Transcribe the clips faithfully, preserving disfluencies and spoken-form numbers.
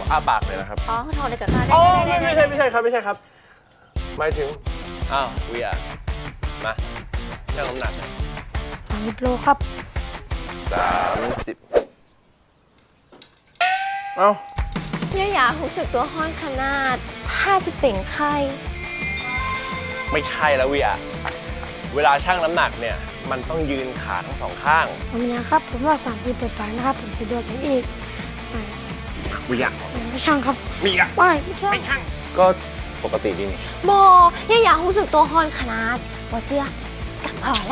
อ้าปากเลยนะครับอ๋อถอดเลยกับตาได้อ๋อได้ไม่ได้ไม่ใช่ไม่ใช่ครับไม่ใช่ครับหมายถึงอ้าวเวียมาเรื่องน้ำหนักสามสิบโลครับสามสิบเอ้าเนี่ยอยากรู้สึกตัวห้อนขนาด ถ้าจะเป่งไข้ไม่ใช่แล้วเวียเวลาชั่งน้ำหนักเนี่ยมันต้องยืนขาทั้งสองข้างผมยังครับ ผมว่าสามสิบไปๆนะครับ ผมสะดวกกันอีกไปเวียไม่ช่างครับมีอะไม่ไม่ช่างก็ปกติดีนี่บอเนี่ยอยากรู้สึกตัวห้อนขนาดบอเจือกับพอแหละ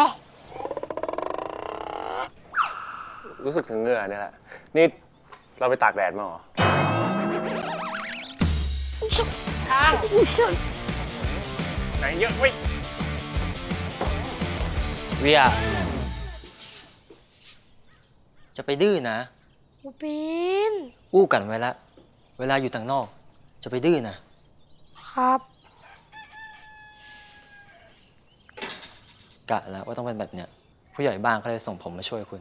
รู้สึกถึงเหงื่อเนี่ยแหละนี่เราไปตากแดดมาเหรอทางไหนเยอะเว้ยเวียจะไปดื้อนะปูปินอู้กันไว้ละเวลาอยู่ต่างนอก จะไปดื้อนะครับ กะแล้วว่าต้องเป็นแบบเนี้ยผู้ใหญ่บ้านเขาเลยส่งผมมาช่วยคุณ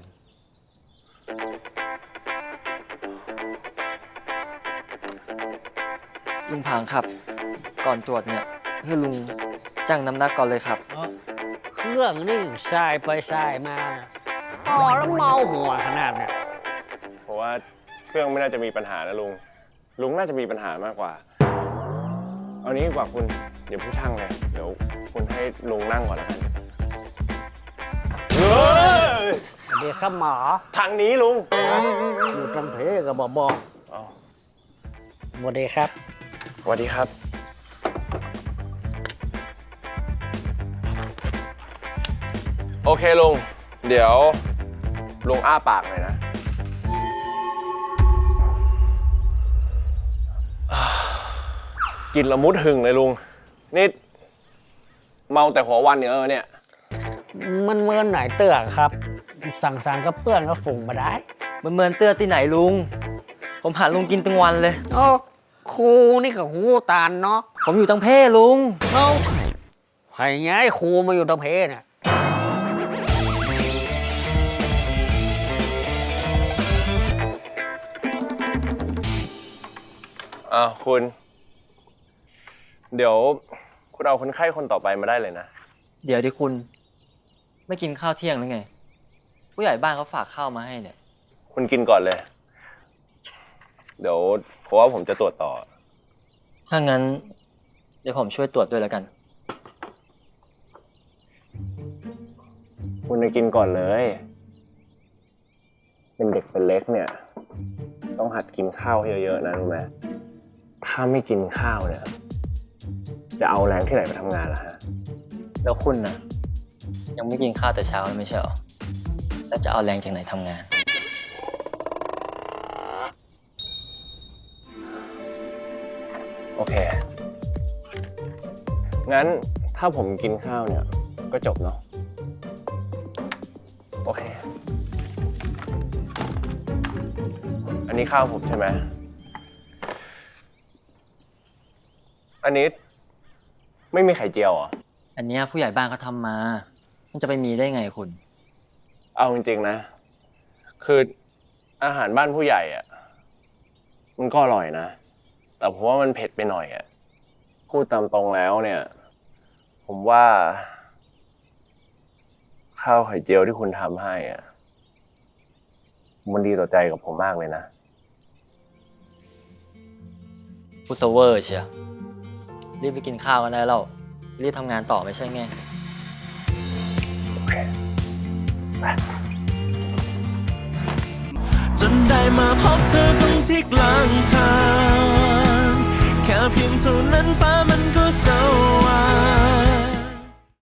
ลุงผางครับ ก่อนตรวจเนี่ยให้ลุงจ้างน้ำหนักก่อนเลยครับเครื่องนี่สายไปสายมานะอ๋อแล้วเมาหัวขนาดเนี่ยเพราะว่าเครื่องไม่น่าจะมีปัญหานะลุงลุงน่าจะมีปัญหามากกว่าเอานี้ดีกว่าคุณอย่าเพิ่งช่างเลยเดี๋ยวคุณให้ลุงนั่งก่อนแล้วกันเฮ้ยสวัสดีครับหมอทางนี้ลุงอยู่ลำเพกับบอกบอกอ๋อสวัสดีครับสวัสดีครับโอเคลุงเดี๋ยวลุงอ้าปากหน่อยนะกินละมุดหึงเลยลุงนี่เมาแต่หัววันเนี่ยเออเนี่ยมันเมินไหนเตือกครับ สั่งสารกับเพื่อนก็ฝุ่งมาได้มันเหมือนเตื้อที่ไหนลุง ผมหาลุงกินตั้งวันเลยโอ้ครูนี่กับหูตาลเนาะผมอยู่ตั้งเพ่ลุงเอ้าใครย้ายครูมาอยู่ตะเพเนี่ยอ่าคุณ เดี๋ยวคุณเอาคนไข้คนต่อไปมาได้เลยนะเดี๋ยวดิคุณ ไม่กินข้าวเที่ยงหรือไง ผู้ใหญ่บ้านเขาฝากข้าวมาให้เนี่ยคุณกินก่อนเลย เดี๋ยวเพราะว่าผมจะตรวจต่อถ้างั้น เดี๋ยวผมช่วยตรวจด้วยแล้วกันคุณจะกินก่อนเลย เป็นเด็กเป็นเล็กเนี่ย ต้องหัดกินข้าวเยอะๆนะรู้ไหมถ้าไม่กินข้าวเนี่ย จะเอาแรงที่ไหนไปทำงานล่ะฮะแล้วคุณน่ะ ยังไม่กินข้าวแต่เช้าเลยไม่ใช่หรอ แล้วจะเอาแรงจากไหนทำงานโอเค งั้นถ้าผมกินข้าวเนี่ย ก็จบเนาะ โอเค อันนี้ข้าวผมใช่ไหม อันนี้ไม่มีไข่เจียวเหรออันเนี้ยผู้ใหญ่บ้านเขาทำมา มันจะไปมีได้ไงคุณเอาจริงๆนะ คืออาหารบ้านผู้ใหญ่อะมันก็อร่อยนะ แต่ผมว่ามันเผ็ดไปหน่อยอะพูดตามตรงแล้วเนี่ย ผมว่า ข้าวไข่เจียวที่คุณทำให้อะมันดีต่อใจกับผมมากเลยนะพูดเซเวอร์เชียวรีบไปกินข้าวกันได้แล้ว รีบทำงานต่อไม่ใช่ไงโอเค ไปจนได้มาพบเธอตรงที่กลางทาง